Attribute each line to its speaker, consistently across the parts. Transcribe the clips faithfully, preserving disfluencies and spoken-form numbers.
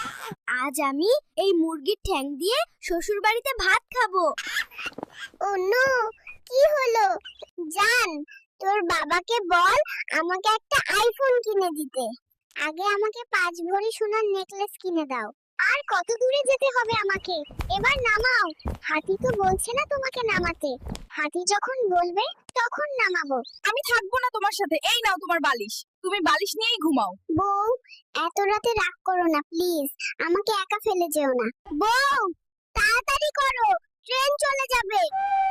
Speaker 1: আজ আমি এই মুরগির ঠ্যাং দিয়ে শ্বশুর বাড়িতে ভাত খাবো।
Speaker 2: ও নো, কি হলো? জান, তোর বাবাকে বল আমাকে একটা আইফোন কিনে দিতে। আগে আমাকে পাঁচ ভরি সোনার নেকলেস কিনে দাও। আর কত দূরে যেতে হবে আমাকে? এবার নামাও। হাতি তো বলছে না তোমাকে নামাতে। হাতি যখন বলবে তখন নামাবো।
Speaker 3: আমি থাকবো না তোমার সাথে। এই নাও তোমার বালিশ, তুমি বালিশ নিয়েই ঘুমাও।
Speaker 2: বউ, এত রাতে রাগ করো না প্লিজ। আমাকে একা ফেলে যেও না। বউ, তাড়াতাড়ি করো, ট্রেন চলে যাবে।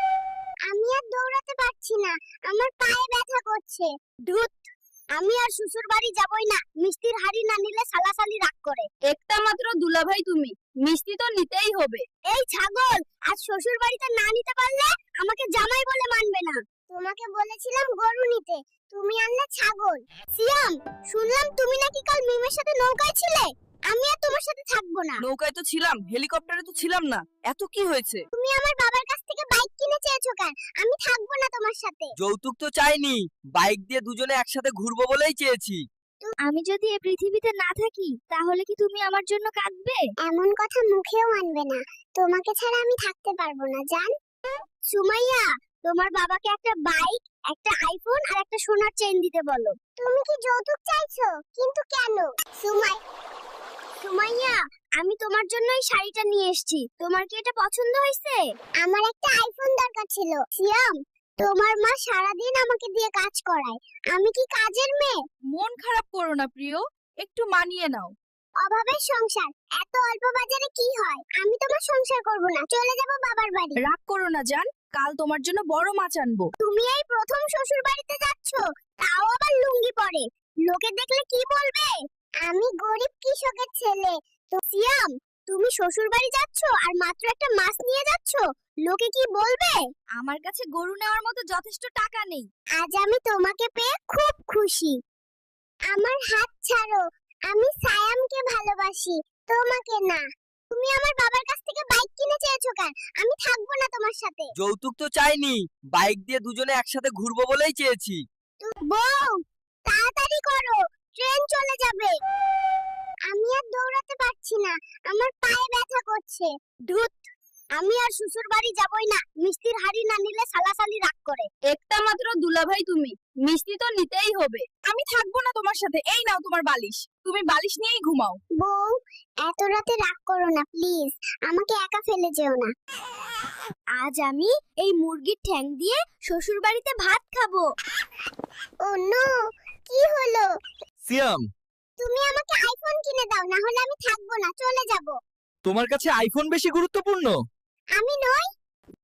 Speaker 2: আমি আর দৌড়াতে পারছি না, আমার পায়ে ব্যথা করছে। ধুত, আমি আর শ্বশুর বাড়ি যাবই না। মিষ্টির হাড়ি না নিলে সালাসালি রাগ করে।
Speaker 3: একটা মাত্র দুলাভাই তুমি, মিষ্টি তো নিতেই হবে।
Speaker 2: এই ছাগল, আজ শ্বশুর বাড়িতে না নিতে পারলে আমাকে জামাই বলে মানবে না। তোমাকে বলেছিলাম গরু নিতে, তুমি আনলে ছাগল। সিয়াম, শুনলাম তুমি নাকি কাল মিমের সাথে নৌকায় ছিলে। আমি আর তোমার সাথে থাকবো না।
Speaker 3: নৌকায় তো ছিলাম, হেলিকপ্টারে তো ছিলাম না। এত কি হয়েছে?
Speaker 2: তুমি আমার বাবার কাছ থেকে বাইক কিনে চেয়েছো কেন? আমি থাকবো না তোমার সাথে।
Speaker 4: যৌতুক তো চাইনি, বাইক দিয়ে দুজনে একসাথে ঘুরবো বলেই চেয়েছি।
Speaker 1: আমি যদি এই পৃথিবীতে না থাকি তাহলে কি তুমি আমার জন্য কাঁদবে?
Speaker 2: এমন কথা মুখেও আনবে না। তোমাকে ছাড়া আমি থাকতে পারবো না জান। সুমাইয়া, তোমার বাবাকে একটা বাইক, একটা আইফোন আর একটা সোনার চেইন দিতে বলো। তুমি কি যৌতুক চাইছো? কিন্তু কেন? সুমাই
Speaker 1: সুমাইয়া, আমি তোমার জন্য এই শাড়িটা নিয়ে এসেছি। তোমার কি এটা পছন্দ হয়েছে?
Speaker 2: আমার একটা আইফোন দরকার ছিল। সিয়াম, তোমার মা সারাদিন আমাকে দিয়ে কাজ করায়। আমি কি কাজের মেয়ে?
Speaker 3: মন খারাপ করো না প্রিয়, একটু মানিয়ে নাও।
Speaker 2: অভাবের সংসার, এত অল্প বাজারে কি হয়? আমি তোমার সংসার করব না, চলে যাব বাবার বাড়ি।
Speaker 3: রাগ করো না জান, কাল তোমার জন্য বড় মাছ আনবো।
Speaker 2: তুমি এই প্রথম শ্বশুর বাড়িতে যাচ্ছ, তাও আবার লুঙ্গি পরে। লোকে দেখলে কি বলবে? আমি গরিব কৃষকের ছেলে। তো সিয়াম, তুমি শ্বশুর বাড়ি যাচ্ছ আর মাত্র একটা মাছ নিয়ে যাচ্ছ, লোকে কি বলবে?
Speaker 1: আমার কাছে গরু নেওয়ার মতো যথেষ্ট টাকা নেই।
Speaker 2: আজ আমি তোমাকে পেয়ে খুব খুশি। আমার হাত ছাড়ো, আমি সায়ামকে ভালোবাসি, তোমাকে না। তুমি আমার বাবার কাছ থেকে বাইক কিনে চেয়েছো কেন? আমি থাকবো না তোমার সাথে।
Speaker 4: যৌতুক তো চাইনি, বাইক দিয়ে দুজনে একসাথে ঘুরবো বলেই চেয়েছি।
Speaker 2: বউ, তাড়াতাড়ি করো, ট্রেন চলে যাবে। আমি আর দৌড়াতে পারছি না, আমার পায়ে ব্যথা করছে। ধুত, আমি আর শ্বশুর বাড়ি যাবই না। মিষ্টির হাড়ি না নিলে সালাসালি রাগ করে।
Speaker 3: একটা মাত্র দুলাভাই তুমি, মিষ্টি তো নিতেই হবে। আমি থাকবো না তোমার সাথে। এই নাও তোমার বালিশ, তুমি বালিশ নিয়েই ঘুমাও।
Speaker 2: বউ, এত রাতে রাগ করো না প্লিজ। আমাকে একা ফেলে যেও না।
Speaker 1: আজ আমি এই মুরগির ঠ্যাং দিয়ে শ্বশুর বাড়িতে ভাত খাবো।
Speaker 2: ও নো, কি হলো?
Speaker 4: সিয়াম,
Speaker 2: তুমি আমাকে আইফোন কিনে দাও, না হলে আমি থাকবো না, চলে যাব।
Speaker 4: তোমার কাছে আইফোন বেশি গুরুত্বপূর্ণ?
Speaker 2: আমি নই,